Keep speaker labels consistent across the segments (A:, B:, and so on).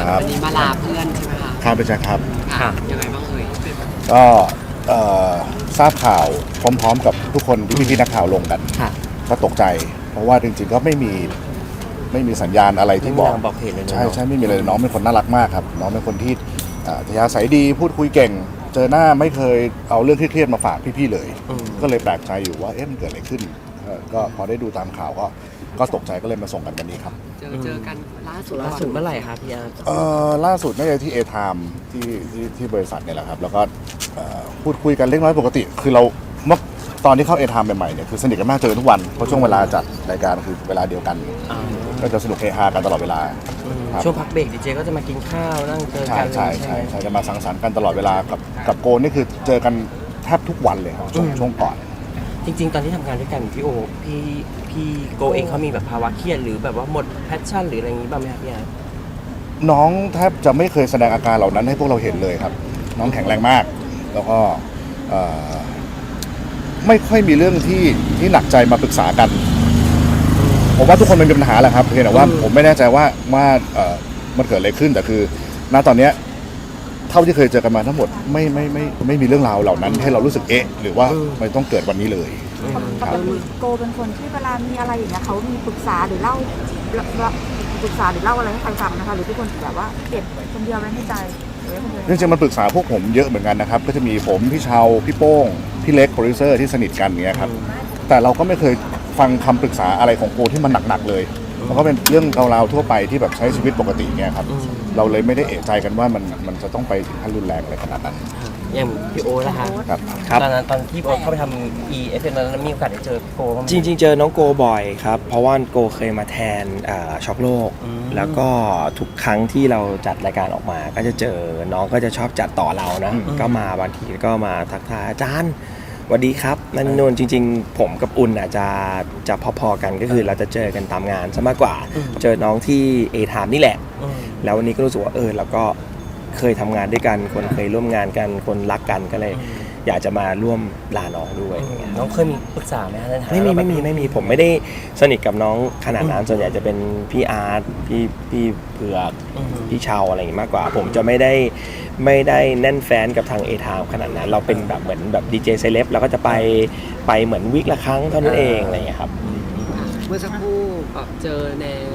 A: วันนี้มาลาเพื่อนใช่ไหมคะ
B: ครับเป็นใช่ครับ
A: ค่ะยังไงบ้างเอ่ย
B: ก็ทราบข่าวพร้อมๆกับทุกคนที่พี่ๆนักข่าวลงกันก็ตกใจ เพราะว่าจริงๆก็ไม่มีสัญญาณอะไรที่บอก
C: เหตุเลย
B: ใช่ไม่มีเลยน้องเป็นคนน่ารักมากครับน้องเป็นคนที่อัธยาศัยดีพูดคุยเก่งเจอหน้าไม่เคยเอาเรื่องเครียดๆมาฝากพี่ๆเลยก็เลยแปลกใจอยู่ว่ามันเกิดอะไรขึ้นก็พอได้ดูตามข่าวก็ตกใจก็เลยมาส่งกันวันนี้ครับ
A: เจอกันล่าสุด
C: เมื่อไหร่ครับพี่อาร์ต
B: ล่าสุดน่าจะที่เอไทม์ที่บริษัทเนี่ยแหละครับแล้วก็พูดคุยกันเล็กน้อยปกติคือเราเมื่อตอนที่เข้าเอไทม์ใหม่ๆเนี่ยคือสนิทกันมากเจอทุกวันเพราะช่วงเวลาจัดรายการคือเวลาเดียวกันก็จะสนุกเฮฮากันตลอดเวลา
C: ช่วงพักเบรกดีเจก็จะมากินข้าวนั่งเจอกัน
B: ใช่จะมาสังสรรค์กันตลอดเวลากับโกนนี่คือเจอกันแทบทุกวันเลยครับช่วงก่อน
C: จริงๆตอนที่ทำงานด้วยกันพี่โกเองเขามีแบบภาวะเครียดหรือแบบว่าหมดแพชชั่นหรืออะไรอย่างนี้บ้างไหมครับพี่อาร์ต
B: น้องแทบจะไม่เคยแสดงอาการเหล่านั้นให้พวกเราเห็นเลยครับน้องแข็งแรงมากแล้วก็ไม่ค่อยมีเรื่องที่หนักใจมาปรึกษากันผมว่าทุกคนมันมีปัญหาแหละครับเพียงแต่ว่าผมไม่แน่ใจว่ามันเกิดอะไรขึ้นแต่คือณตอนนี้เท่าที่เคยเจอกันมาทั้งหมดไม่มีเรื่องราวเหล่านั้นให้เรารู้สึกหรือว่ามันต้องเกิดวันนี้เลย
D: ปกติโกเป็นคนที่เวลามีอะไรอย่างเงี้ยเขามีปรึกษาหรือเล่าอะไรให้ใครฟังนะคะหรือทุกคนแบบว่าเก็บคนเดียวไว้ในใจ
B: จริงๆมันปรึกษาพวกผมเยอะเหมือนกันนะครับก็จะมีผมพี่เชาพี่โป้งพี่เล็กโปรดิวเซอร์ที่สนิทกันเงี้ยครับแต่เราก็ไม่เคยฟังคำปรึกษาอะไรของโกที่มันหนักๆเลยมันก็เป็นเรื่องราวทั่วไปที่แบบใช้ชีวิตปกติเงี้ยครับเราเลยไม่ได้เอะใจกันว่ามันจะต้องไปถึงขั้นรุนแรงอะไรขนาดนั้น
C: อย่างพี่โอ๊ตนะคะตอนนั้นตอนที่โอ๊ตเข้าไปทำ EFM ตอนนั้นมีโอกาสได้เจอพี่โกบ้างไหม
E: จริงๆเจอน้องโกบ่อยครับเพราะว่าโกเคยมาแทนช็อกโลกแล้วก็ทุกครั้งที่เราจัดรายการออกมาก็จะเจอน้องก็จะชอบจัดต่อเรานะก็มาบางทีก็มาทักทายอาจารย์สวัสดีครับนั่นโน่นจริงๆผมกับอุ่นจะพอๆกันก็คือเราจะเจอกันตามงานซะมากกว่าเจอน้องที่เอไทม์นี่แหละแล้ววันนี้ก็รู้สึกว่าเราก็เคยทำงานด้วยกันคนเคยร่วมงานกันคนรักกันก็เลยอยากจะมาร่วมลาน้องด้วย
C: น้องเคยมีปรึกษาไหม
E: ไม่มีผมไม่ได้สนิทกับน้องขนาดนั้นส่วนใหญ่จะเป็นพี่อาร์ตพี่เผือกพี่เชาอะไรอย่างงี้มากกว่าผมจะไม่ได้แน่นแฟนกับทางเอไทม์ขนาดนั้นเราเป็นแบบเหมือนแบบดีเจเซเลบเราก็จะไปเหมือนวีคละครั้งเท่านั้นเองอะไรอย่างเงี้ยครับ
A: เมื่อสักครู่เจอแนน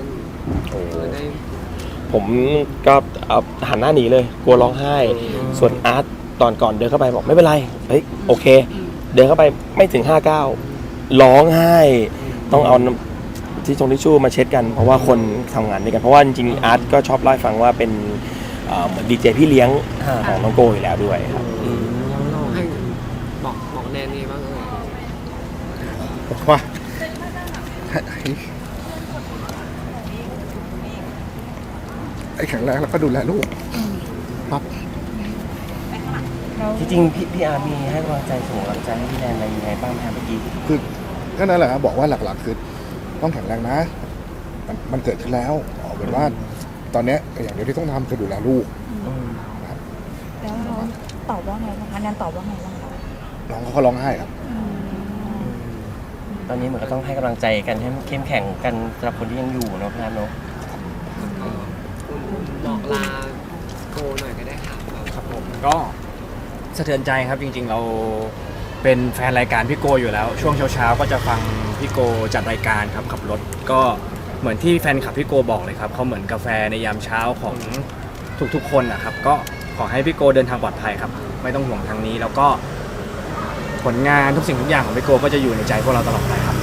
E: ผมก็หันหน้าหนีเลยกลัวร้องไห้ส่วนอาร์ตตอนก่อนเดินเข้าไปบอกไม่เป็นไรโอเคเดินเข้าไปไม่ถึง59ร้องไห้ต้องเอาที่ทิชชู่มาเช็ดกันเพราะว่าคนทำงานด้วยกันเพราะว่าจริงๆอาร์ตก็ชอบเล่าให้ฟังว่าเป็นเหมือนดีเจพี่เลี้ยงของน้องโกอยู่แล้วด้วยครับ
A: เราให้บอกแนนนี่บ้าง
B: บอกว่าไอ้แข็งแรงแล้วก็ดูแลลูกครับ
C: จริงๆพี่อาร์มีให้กำลังใจส่งกำลังใจให้พี่แนนอะไรยังไงบ้างเมื่อกี้
B: คือก็นั่นแหละครับบอกว่าหลักๆคือต้องแข็งแรงนะมันเกิดขึ้นแล้วเป็นว่าตอนนี้อย่างเดียวที่ต้องทำคือดูแลลูก
D: แล้วน้องตอบว่าไงบ้างคะแนนตอบว่าไงบ้างคะ
B: น้องเขาร้องไห้ครับ
C: ตอนนี้เหมือนก็ต้องให้กำลังใจกันให้เข้มแข็งกันสำหรับคนที่ยังอยู่เนาะพี่อาร์เนาะ
A: บอกลาโกหน่อยก็ได้ค่ะ
F: ครับผมก็สะเทือนใจครับจริงๆเราเป็นแฟนรายการพี่โกอยู่แล้วช่วงเช้าๆก็จะฟังพี่โกจัดรายการครับขับรถก็เหมือนที่แฟนคลับพี่โกบอกเลยครับเขาเหมือนกาแฟในยามเช้าของทุกๆคนนะครับก็ขอให้พี่โกเดินทางปลอดภัยครับไม่ต้องห่วงทางนี้แล้วก็ผลงานทุกสิ่งทุกอย่างของพี่โกก็จะอยู่ในใจพวกเราตลอดไปครับ